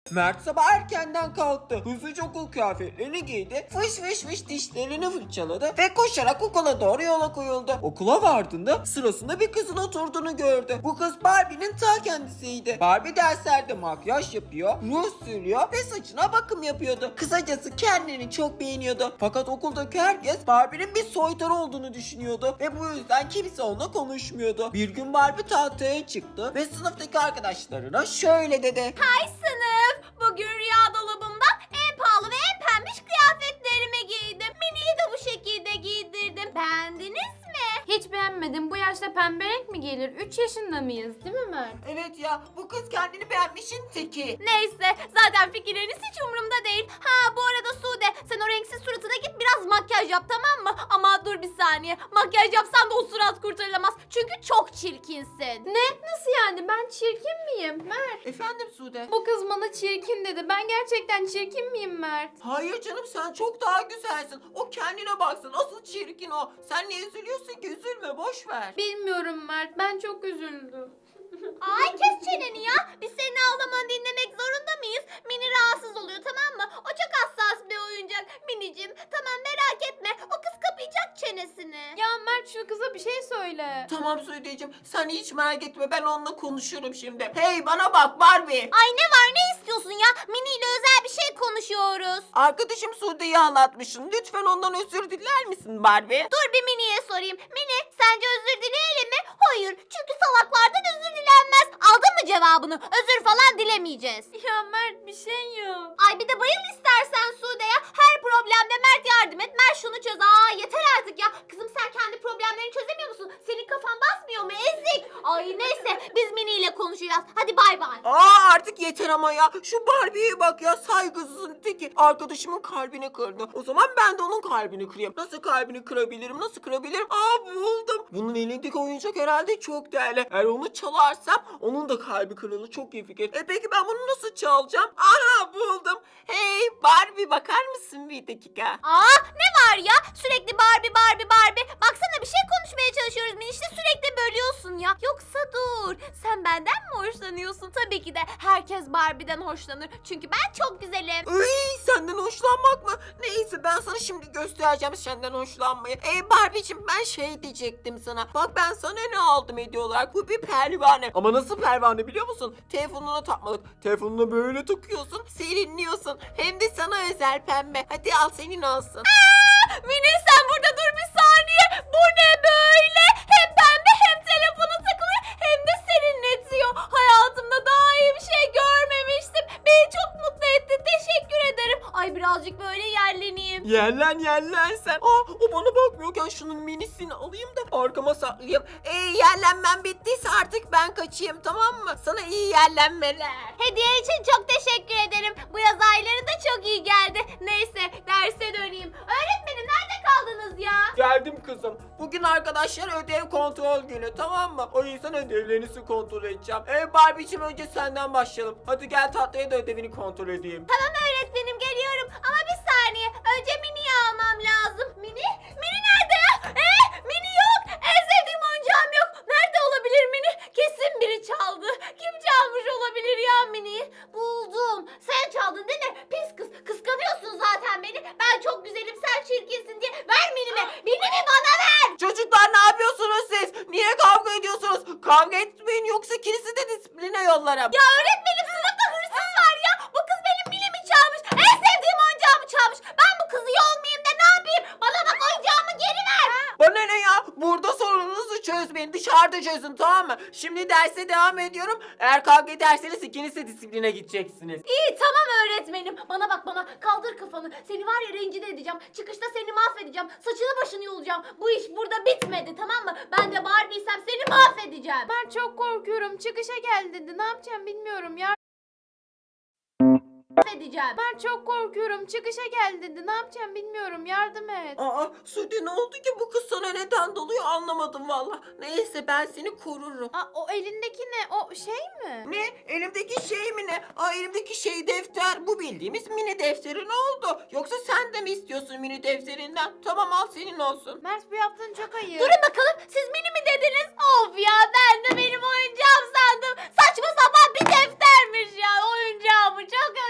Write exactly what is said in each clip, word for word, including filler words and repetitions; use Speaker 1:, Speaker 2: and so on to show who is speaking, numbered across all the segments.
Speaker 1: Mert sabah erkenden kalktı. Hızlıca okul kıyafetlerini giydi. Fış fış fış dişlerini fırçaladı ve koşarak okula doğru yola koyuldu. Okula vardığında sırasında bir kızın oturduğunu gördü. Bu kız Barbie'nin ta kendisiydi. Barbie derslerde makyaj yapıyor, ruj sürüyor ve saçına bakım yapıyordu. Kısacası kendini çok beğeniyordu. Fakat okuldaki herkes Barbie'nin bir soytarı olduğunu düşünüyordu ve bu yüzden kimse onunla konuşmuyordu. Bir gün Barbie tahtaya çıktı ve sınıftaki arkadaşlarına şöyle dedi.
Speaker 2: Hay sınıf! Bugün rüya dolabımdan en pahalı ve en pembiş kıyafetlerimi giydim. Mini'yi de bu şekilde giydirdim. Beğendiniz mi?
Speaker 3: Hiç beğenmedim. Bu yaşta pembe renk mi gelir? üç yaşında mıyız değil mi Mert?
Speaker 1: Evet ya, bu kız kendini beğenmişin teki.
Speaker 2: Neyse, zaten fikirleriniz hiç umurumda değil. Ha bu arada Sude, sen o renksiz suratına git biraz makyaj yap, tamam mı? Ama dur bir saniye, makyaj yapsan da o surat kurtarılamaz. Çünkü çok çirkinsin.
Speaker 3: Ne? Nasıl yani? Ben çirkin miyim Mert?
Speaker 1: Efendim Sude?
Speaker 3: Bu kız bana çirkin dedi. Ben gerçekten çirkin miyim Mert?
Speaker 1: Hayır canım, sen çok daha güzelsin. O kendine baksın, asıl çirkin o. Sen niye üzülüyorsun ki? Üzülme, boş ver.
Speaker 3: Bilmiyorum Mert. Ben çok üzüldüm.
Speaker 2: Ay kes çeneni ya. Biz senin ağlamanı dinlemek zorunda mıyız? Mini rahatsız oluyor, tamam mı? O çok hassas bir oyuncak. Minicim, tamam merak etme. O kız kapayacak çenesini.
Speaker 3: Ya Mert şu kıza bir şey söyle.
Speaker 1: Tamam Sude'cim, sen hiç merak etme, ben onunla konuşurum şimdi. Hey, bana bak Barbie.
Speaker 2: Ay ne var, ne istiyorsun ya? Mini ile özel bir şey konuşuyoruz.
Speaker 1: Arkadaşım Sude'yi anlatmışsın. Lütfen ondan özür diler misin Barbie?
Speaker 2: Dur bir Mini'ye sorayım. Mini, sence özür dileyelim mi? Hayır, çünkü salaklardan özür dilenmez. Aldın mı cevabını? Özür falan dilemeyeceğiz.
Speaker 3: Ya Mert bir şey yok.
Speaker 2: Ay bir de bayıl istersen Sude'ye. Her problemde Mert yardım et. Mert şunu çöz. Aa yeter artık ya. Kızım sen kendi problemlerini çözemiyor musun? Senin kafan basmıyor mu? Ezik. Ay neyse biz Mini ile konuşacağız. Hadi bay bay.
Speaker 1: Aa, artık yeter ama ya. Şu Barbie'ye bak ya, saygısızın teki. Arkadaşımın kalbini kırdı. O zaman ben de onun kalbini kırayım. Nasıl kalbini kırabilirim? Nasıl kırabilirim? Aa, buldum. Bunun elindeki oyuncak herhalde çok değerli. Eğer onu çalarsam onun da kalbi kırılır. Çok iyi fikir. E peki ben bunu nasıl çalacağım? Aha, buldum. Hey Barbie, bakar mısın bir dakika?
Speaker 2: Aa ne var ya? Sürekli Barbie Barbie Barbie. Baksana bir şey konuşmaya çalışıyoruz. Mini işte sürekli bölüyorsun ya. Yoksa dur. Sen benden mi hoşlanıyorsun? Tabii ki de herkes Barbie'den hoşlanır. Çünkü ben çok güzelim.
Speaker 1: Iy, senden hoşlanmak mı? Neyse, ben sana şimdi göstereceğim senden hoşlanmayı. Ey Barbie'cim, ben şey diyecektim sana. Bak ben sana ne aldım hediye olarak? Bu bir pervane. Ama nasıl pervane biliyor musun? Telefonuna takmalık. Telefonuna böyle takıyorsun, serinliyorsun. Hem de sana özel pembe. Hadi al, senin olsun.
Speaker 2: Mini sen burada dur bir saniye. Bu ne böyle? Hem pembe hem telefonu takılıyor hem de serinletiyor. Hayatımda daha iyi bir şey görmemiştim. Beni çok mutlu etti. Teşekkür ederim. Ay birazcık böyle yerleneyim.
Speaker 1: Yerlen yerlen sen. Aa, o bana bakmıyorken şunun minisini alayım da arkama saklayayım. Ee, yerlenmem bittiyse artık ben kaçayım, tamam mı? Sana iyi yerlenmeler.
Speaker 2: Hediye için çok teşekkür ederim. Bu yaz ayları da çok iyi geldi. Neyse derse döneyim. Öğretmenim nerede kaldınız ya?
Speaker 1: Geldim kızım. Bugün arkadaşlar ödev kontrol günü, tamam mı? O yüzden ödevlerinizi kontrol edeceğim. Ee, Barbie'cim önce senden başlayalım. Hadi gel tahtaya da ödevini kontrol edeyim.
Speaker 2: Tamam öğretmenim geliyorum. Ama bir saniye. Önce Mini'yi almam lazım. Mini? Mini nerede ya? Ee, Mini yok. En sevdiğim oyuncağım yok. Nerede olabilir Mini? Kesin biri çaldı. Kim çalmış olabilir ya Mini'yi? Buldum. Sen çaldın değil mi? Pis kız. Kıskanıyorsun zaten beni. Ben çok güzelim, sen çirkinsin diye. Ver Mini'mi. Mini'mi bana ver.
Speaker 1: Çocuklar, ne yapıyorsunuz siz? Niye kavga ediyorsunuz? Kavga etmeyin, yoksa ikinizi de disipline yollarım.
Speaker 2: Ya öğretmenim sınıfta hırsız var ya. Bu kız benim Mini'mi çalmış. En sevdiğim oyuncağımı çalmış. Ben bu kızı yolmayayım da ne yapayım? Bana bak, oyuncağımı geri ver.
Speaker 1: Bana ne ya? Burada sorununuzu çözmeyin. Dışarıda çözün, tamam mı? Şimdi derse devam ediyorum. Eğer kavga ederseniz ikiniz de disipline gideceksiniz.
Speaker 2: İyi tamam öğretmenim. Bana bak bana, kaldır kafanı. Seni var ya rencide edeceğim. Çıkışta seni mahvedeceğim. Saçını başını yolacağım. Bu iş burada bitmedi, tamam mı? Ben de Barbie'ysem seni mahvedeceğim.
Speaker 3: Ben çok korkuyorum. Çıkışa gel dedi. Ne yapacağım bilmiyorum. Ya
Speaker 2: Mahvedeceğim.
Speaker 3: ben çok korkuyorum. Çıkışa gel dedi. Ne yapacağım bilmiyorum. Yardım et.
Speaker 1: Aa, Sude, ne oldu ki bu kız sana neden doluyor, anlamadım valla. Neyse, ben seni korurum.
Speaker 3: Aa, o elindeki ne? O şey mi?
Speaker 1: Ne? Elimdeki şey mi ne? Aa, elimdeki şey defter. Bu bildiğimiz mini defteri, ne oldu? Yoksa sen de mi istiyorsun mini defterinden? Tamam, al, senin olsun.
Speaker 3: Mert bu yaptığın çok ayıp.
Speaker 2: Durun bakalım, siz Mini mi dediniz? Of ya, ben de benim oyuncağım sandım. Saçma sapan bir deftermiş ya. Oyuncağımı çok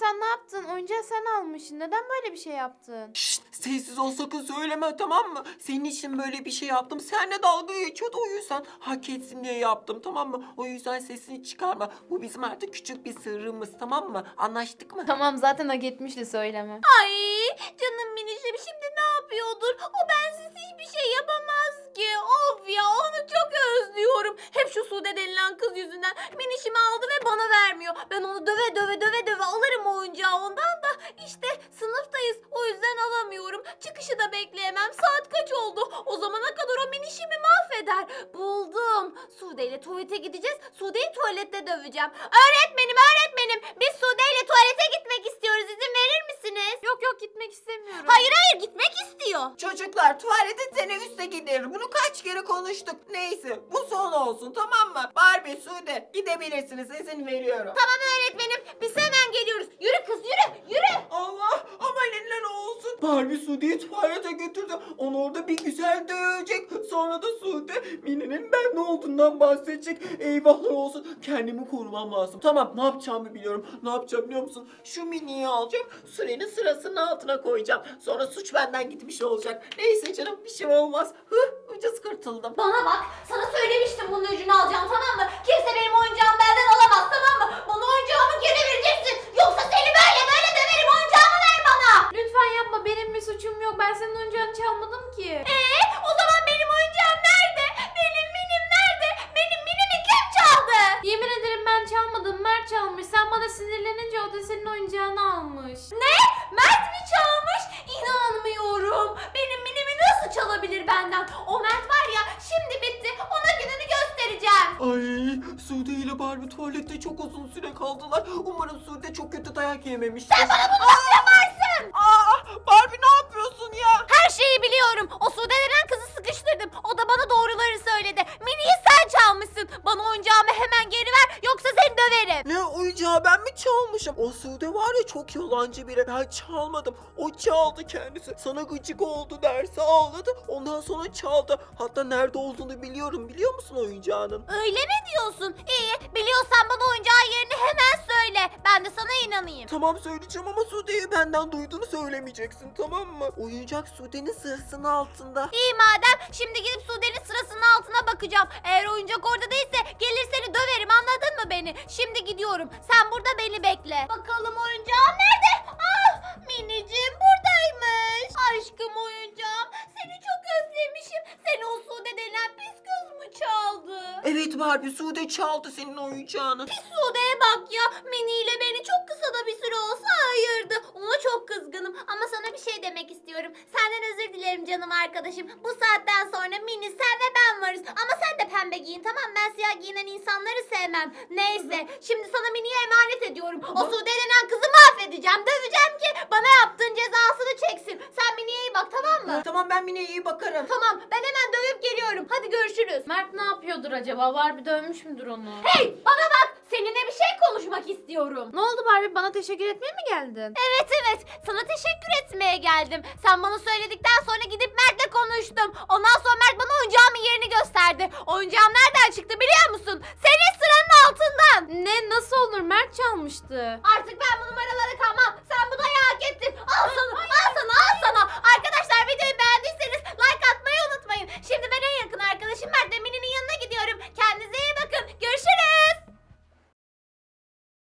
Speaker 3: Lütfen ne yaptın? Oyuncağı sen almışsın. Neden böyle bir şey yaptın?
Speaker 1: Şşt, sessiz ol, sakın söyleme, tamam mı? Senin için böyle bir şey yaptım. Seninle dalga geçiyordu, o yüzden hak etsin diye yaptım, tamam mı? O yüzden sesini çıkarma. Bu bizim artık küçük bir sırrımız, tamam mı? Anlaştık mı?
Speaker 3: Tamam, zaten hak etmişti, söyleme.
Speaker 2: Ay canım minişim şimdi ne yapıyordur? O bensiz hiçbir şey yapamaz ki. Of ya onu çok özlüyorum. Hep şu Sude denilen kız yüzünden minişimi aldı ve bana vermiyor. Ben onu döve döve döve döve alırım oyuncağı ondan da. İşte sınıftayız o yüzden alamıyorum. Çıkışı da bekleyemem. Saat kaç oldu? O zamana kadar o minişimi mahveder. Buldum. Sude ile tuvalete gideceğiz. Sude'yi tuvalette döveceğim. Öğretmenim öğretmenim biz Sude ile tuvalete gitmek istiyoruz. İzin verir misiniz?
Speaker 3: Yok yok, gitmek istemiyorum.
Speaker 2: Hayır hayır gitmek istiyor.
Speaker 1: Çocuklar, tuvalete teneffüste gider. Bunu kaç kere konuştuk. Neyse, bu son olsun, tamam mı? Barbie, Sude, gidebilirsiniz, izin veriyorum.
Speaker 2: Tamam öğretmenim biz hemen geliyoruz. Yürü kız yürü yürü.
Speaker 1: Allah, ama neler olsun. Barbie Sude'yi tuvalete götürdü. Onu orada bir güzel dövecek. Sonra da Sude Mini'nin ben ne olduğundan bahsedecek. Eyvahlar olsun. Kendimi korumam lazım. Tamam, ne yapacağımı biliyorum. Ne yapacağım biliyor musun? Şu Mini'yi alacağım. Sürenin sırasının altına koyacağım. Sonra suç benden gitmiş olacak. Neyse canım, bir şey olmaz. Hıh, ucuz kurtuldum.
Speaker 2: Bana bak sana söylemiştim bunun ucunu alacağım tamam mı? Kimse benim oyuncağımı benden alamaz tamam mı? Bana oyuncağımı geri vereceksin. Yoksa seni böyle böyle döverim oyuncağımı ver bana.
Speaker 3: Lütfen yapma, benim bir suçum yok. Ben senin oyuncağını çalmadım ki.
Speaker 2: Eee o zaman benim oyuncağım nerede? Benim minim nerede? Benim minimi kim çaldı?
Speaker 3: Yemin ederim ben çalmadım. Mert çalmış. Sen bana sinirlenince o da senin oyuncağını almış.
Speaker 2: Ne? Mert mi çalmış? İnanmıyorum. Benim minimi nasıl çalabilir benden? O Mert var ya şimdi bitti. Ona gününü göstereceğim.
Speaker 1: Ay, Sude ile Barbie tuvalette çok uzun süre kaldılar. Umarım Sude çok kötü dayak yememiştir. Sen bana bunu
Speaker 2: Nasıl yaparsın?
Speaker 1: Aa, Barbie ne yapıyorsun ya?
Speaker 2: Her şeyi biliyorum. O Sude denen kızı sıkıştırdım. O da bana doğruları söyledi. Mini'yi sen çalmışsın. Bana oyuncağımı hemen geri ver yoksa seni döverim.
Speaker 1: Ne oyuncağı ben mi çalmışım? O Sude var ya, çok yalancı biri. Ben çalmadım. O çaldı kendisi. Sana gıcık oldu derse ağladı. Ondan sonra çaldı. Hatta nerede olduğunu biliyorum. Biliyor musun oyuncağının?
Speaker 2: Öyle mi diyorsun? İyi. Biliyorsan bana oyuncağın yerini hemen söyle. Ben de sana inanayım.
Speaker 1: Tamam, söyleyeceğim ama Sude'yi benden duyduğunu söylemeyeceksin, tamam mı? Oyuncak Sude'nin sırasının altında.
Speaker 2: İyi madem. Şimdi gidip Sude'nin sırasının altına bakacağım. Eğer oyuncak orada değilse gelir seni döverim anladın mı beni? Şimdi gidiyorum. Sen burada beni bekle. Bakalım oyuncağım nerede? Ah minicim buradaymış. Aşkım oyuncağım. Seni çok özlemişim. Seni o Sude denen pis kız mı çaldı?
Speaker 1: Evet Barbie, Sude çaldı senin oyuncağını.
Speaker 2: Pis Sude'ye bak ya. Mini ile beni çok kısa da bir süre olsa ayırdı. Ona çok kızgınım. Ama sana bir şey demek istiyorum. Senden özür dilerim canım arkadaşım. Bu saatten sonra Mini sen ve ben varız. Ama sen de pembe giyin tamam mı? Ben siyah giyinen insanları sevmem. Neyse. Şimdi sana Mini'ye emanet ediyorum. O Sude denen kızı mahvedeceğim. Döveceğim ki bana yaptığın cezasını çeksin. Sen Mini'ye iyi bak tamam mı?
Speaker 1: Tamam, ben Mine'ye iyi bakarım.
Speaker 2: Tamam. Ben hemen dövüp geliyorum. Hadi görüşürüz.
Speaker 3: Mert ne yapıyordur acaba? Barbie dövmüş müdür onu?
Speaker 2: Hey bana bak. Seninle bir şey konuşmak istiyorum.
Speaker 3: Ne oldu Barbie? Bana teşekkür etmeye mi geldin?
Speaker 2: Evet evet sana teşekkür etmeye geldim. Sen bana söyledikten sonra gidip Mert'le konuştum. Ondan sonra Mert bana oyuncağımın yerini gösterdi. Oyuncağım nereden çıktı biliyor musun? Senin sıranın altından.
Speaker 3: Ne? Nasıl olur? Mert çalmıştı.
Speaker 2: Artık ben bu numaralara kalmam. Sen bu dayağı hak ettin. Al sana.